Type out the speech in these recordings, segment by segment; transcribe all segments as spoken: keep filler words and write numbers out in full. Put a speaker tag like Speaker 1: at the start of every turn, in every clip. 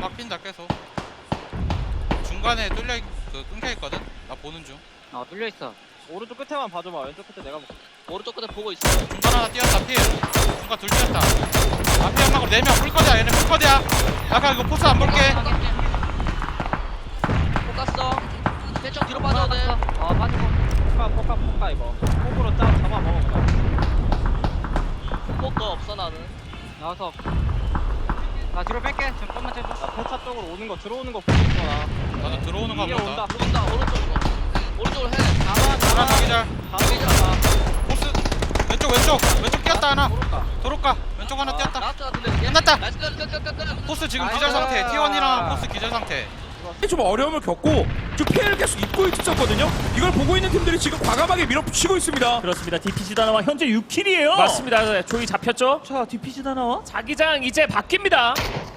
Speaker 1: 바뀐다 계속. 중간에 뚫려 있, 그 끊겨 있거든. 나 보는 중.
Speaker 2: 아 뚫려 있어.
Speaker 3: 오른쪽 끝에만 봐줘봐. 왼쪽 끝에 내가 볼게.
Speaker 4: 오른쪽 끝에 보고 있어.
Speaker 1: 중간 하나 뛰었다 필. 중간 둘 뛰었다. 앞에 연막으로 네명 풀거리야. 얘네 풀거리야. 아까 이거 포스 안 볼게.
Speaker 4: 폭 갔어. 대충 뒤로 빠져야 돼.
Speaker 2: 어 빠지고.
Speaker 3: 포카 포카 포카 이거. 폭으로 짜 잡아 먹을까?
Speaker 4: 폭 너 없어 나는.
Speaker 2: 나와서. 나 뒤로 뺄게. 잠깐만 째줘.
Speaker 3: 나 폐차 쪽으로 오는 거 들어오는 거 보고 있어 나.
Speaker 1: 나도 들어오는 거
Speaker 3: 이게
Speaker 1: 본다.
Speaker 3: 온다.
Speaker 4: 들어온다 오른쪽으로. 오른쪽으로 해.
Speaker 3: 잡아
Speaker 1: 하나
Speaker 3: 잡아.
Speaker 1: 자기절.
Speaker 3: 잡아 잡아.
Speaker 1: 포스 왼쪽 왼쪽 왼쪽 뛰었다 하나.
Speaker 3: 모를까?
Speaker 1: 도로가 왼쪽 하나 뛰었다.
Speaker 4: 라스트 같은데.
Speaker 1: 끝났다.
Speaker 4: 나이스 끝 끝 끝 끝.
Speaker 1: 포스 지금
Speaker 3: 나이스.
Speaker 1: 기절 상태. 티 원이랑 포스 기절 상태.
Speaker 5: 좀 어려움을 겪고 좀 피해를 계속 입고 있었거든요. 이걸 보고 있는 팀들이 지금 과감하게 밀어붙이고 있습니다.
Speaker 6: 그렇습니다. 디피지 다나와 현재 육 킬이에요.
Speaker 7: 맞습니다. 조이 잡혔죠?
Speaker 6: 자, 디피지 다나와.
Speaker 7: 자기장 이제 바뀝니다.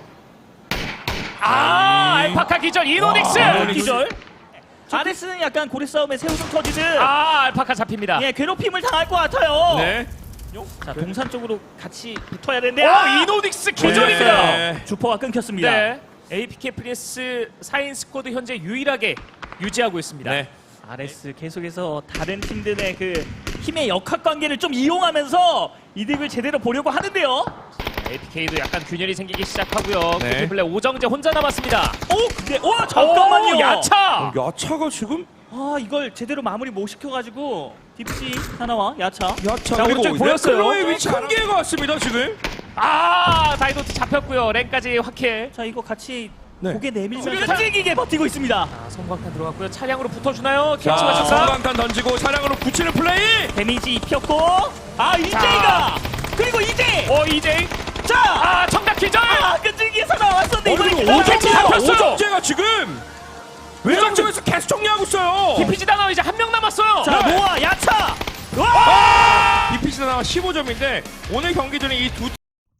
Speaker 7: 아, 알파카 기절 이노닉스.
Speaker 5: 와,
Speaker 6: 아, 기절. 아레스는 약간 고래 싸움에 새우등 터지듯
Speaker 7: 아, 알파카 잡힙니다.
Speaker 6: 예, 괴롭힘을 당할 것 같아요.
Speaker 5: 네.
Speaker 6: 자, 동산 쪽으로 같이 붙어야 되는데
Speaker 7: 오,
Speaker 6: 아!
Speaker 7: 이노닉스 기절입니다.
Speaker 5: 네.
Speaker 6: 주퍼가 끊겼습니다.
Speaker 7: 네. 에이피케이 프리스 사 인 스쿼드 현재 유일하게 유지하고 있습니다.
Speaker 5: 네.
Speaker 6: 아레스 계속해서 다른 팀들의 그 힘의 역학 관계를 좀 이용하면서 이득을 제대로 보려고 하는데요.
Speaker 7: 에이피케이도 약간 균열이 생기기 시작하고요.
Speaker 5: 네.
Speaker 7: 코트플레 오정재 혼자 남았습니다.
Speaker 6: 오, 근데 와 잠깐만요.
Speaker 7: 오, 야차.
Speaker 5: 야차가 지금
Speaker 6: 아, 이걸 제대로 마무리 못 시켜가지고 디피지 하나와 야차.
Speaker 5: 야차
Speaker 7: 자,
Speaker 5: 그리고
Speaker 7: 오른쪽 보였어요.
Speaker 5: 네클로의 위치 한 개가 왔습니다 지금.
Speaker 7: 아, 다이노트 잡혔고요. 랭까지 확해.
Speaker 6: 자, 이거 같이
Speaker 5: 네.
Speaker 6: 고개 내밀면서
Speaker 7: 수류탄!
Speaker 6: 끈질기게 버티고 있습니다.
Speaker 7: 아, 성광탄 들어갔고요. 차량으로 붙어주나요?
Speaker 5: 자,
Speaker 7: 캐치 맞췄다.
Speaker 5: 성광탄 던지고 차량으로 붙이는 플레이.
Speaker 6: 데미지 입혔고 아 이제이가 그리고 이제
Speaker 7: 오, 이제이.
Speaker 6: 자
Speaker 7: 아, 청각 기절.
Speaker 6: 아, 끈질기에서 나왔었는데 이번에
Speaker 5: 그리고
Speaker 6: 기다려.
Speaker 7: 오정재
Speaker 5: 오정재가
Speaker 7: 잡혔어요.
Speaker 5: 오정재가 지금 외곽 쪽에서 계속 정리하고 있어요.
Speaker 7: 디피지 다나 이제 한 명 남았어요.
Speaker 6: 자 노아 야차 와
Speaker 5: 아! 디피지 나와 십오 점인데 오늘 경기 전에 이 두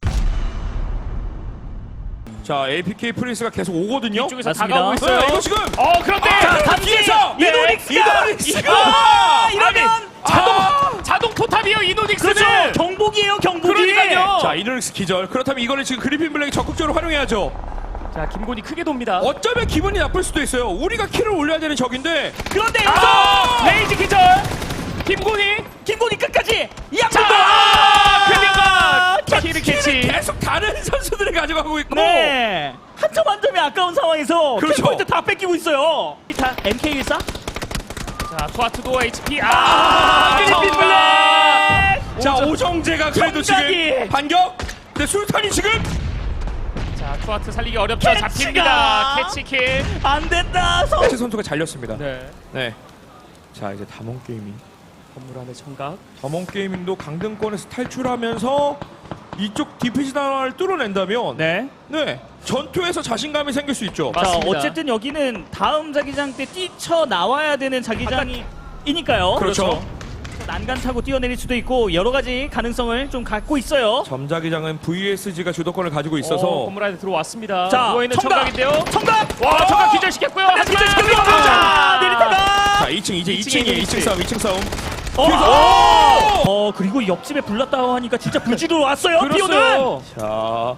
Speaker 5: 자, 에이피케이 프린스가 계속 오거든요.
Speaker 7: 이쪽에서
Speaker 6: 맞습니다.
Speaker 7: 다가오고 있어요.
Speaker 5: 네, 이거 지금
Speaker 7: 어, 그런데
Speaker 5: 아,
Speaker 6: 자, 단지
Speaker 5: 뒤에서
Speaker 7: 네.
Speaker 6: 이노닉스가
Speaker 5: 이노닉스가!
Speaker 6: 아, 이러면
Speaker 7: 자동
Speaker 5: 아!
Speaker 7: 자동 포탑이요 이노닉스는.
Speaker 6: 그렇죠 경복이에요 경복이.
Speaker 7: 그러니까요.
Speaker 5: 자, 이노닉스 기절. 그렇다면 이거는 지금 그리핀 블랙이 적극적으로 활용해야죠.
Speaker 7: 자, 김곤이 크게 돕니다.
Speaker 5: 어쩌면 기분이 나쁠 수도 있어요. 우리가 킬을 올려야 되는 적인데.
Speaker 6: 그런데 여기서
Speaker 7: 아, 레이지 기절. 김곤이.
Speaker 6: 김곤이 끝까지
Speaker 7: 자,
Speaker 6: 양쪽도
Speaker 7: 아, 클리어가 키를
Speaker 5: 킬을
Speaker 7: 캐치.
Speaker 5: 계속 다른 선수들이 가져가고 있고.
Speaker 6: 네. 한 점 한 점이 아까운 상황에서
Speaker 5: 그렇죠.
Speaker 6: 킬포인트 다 뺏기고 있어요. 자, 엠케이 일사.
Speaker 7: 자, 투아트도 에이치피.
Speaker 5: 아,
Speaker 7: 아,
Speaker 6: 그리핀 블랙.
Speaker 5: 자, 오정재가 그래도
Speaker 6: 정작이.
Speaker 5: 지금 반격. 근데 술탄이 지금
Speaker 7: 자, 투아트 살리기 어렵죠.
Speaker 6: 캐치가.
Speaker 7: 잡힙니다. 캐치킬.
Speaker 6: 안 된다. 성.
Speaker 5: 체 선수가 잘렸습니다. 네.
Speaker 7: 네.
Speaker 5: 자, 이제 담원 게이밍.
Speaker 7: 건물 안에 청각.
Speaker 5: 담원 게이밍도 강등권에서 탈출하면서 이쪽 디피지 단화를 뚫어낸다면
Speaker 6: 네.
Speaker 5: 네. 전투에서 자신감이 생길 수 있죠.
Speaker 6: 자,
Speaker 7: 맞습니다.
Speaker 6: 어쨌든 여기는 다음 자기장 때 뛰쳐 나와야 되는 자기장이니까요.
Speaker 5: 그렇죠.
Speaker 6: 난간 타고 뛰어내릴 수도 있고 여러 가지 가능성을 좀 갖고 있어요.
Speaker 5: 점자기장은 브이에스지가 주도권을 가지고 있어서
Speaker 7: 어, 건물 안에 들어왔습니다.
Speaker 6: 자,
Speaker 7: 누워있는
Speaker 6: 청각!
Speaker 7: 청각인데요.
Speaker 6: 청각.
Speaker 7: 와, 청각 기절시켰고요.
Speaker 6: 네, 기절시켰고요.
Speaker 7: 하지만
Speaker 6: 자, 내리다가.
Speaker 5: 자, 이 층 이제
Speaker 7: 이 층에
Speaker 5: 이 층이에요. 이 층
Speaker 7: 있지.
Speaker 5: 싸움, 이 층 싸움.
Speaker 6: 어,
Speaker 5: 뒤에서-
Speaker 6: 어, 그리고 옆집에 불났다고 하니까 진짜 불지로 왔어요. 뛰어는.
Speaker 7: 그렇어요.
Speaker 5: 자,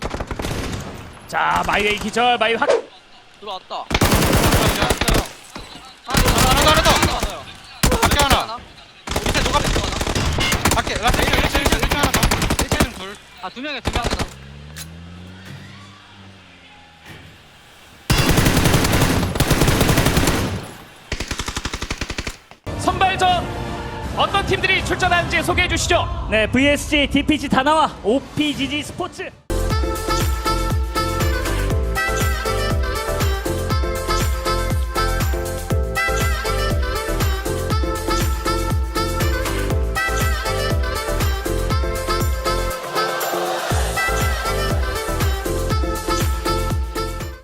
Speaker 7: 자, 마이웨이 기절. 마이 확.
Speaker 4: 들어왔다.
Speaker 1: 하나 더 하나 더.
Speaker 4: 들어왔어요.
Speaker 1: 밖에 하나. 밑에 누가 밖에 라스 일 층 일 층 일 층 하나 더. 일 층 둘.
Speaker 2: 아두 명에 두 명.
Speaker 7: 선발전 어떤 팀들이 출전하는지 소개해 주시죠.
Speaker 6: 네, 브이에스지 디피지 다나와 오피지지 스포츠.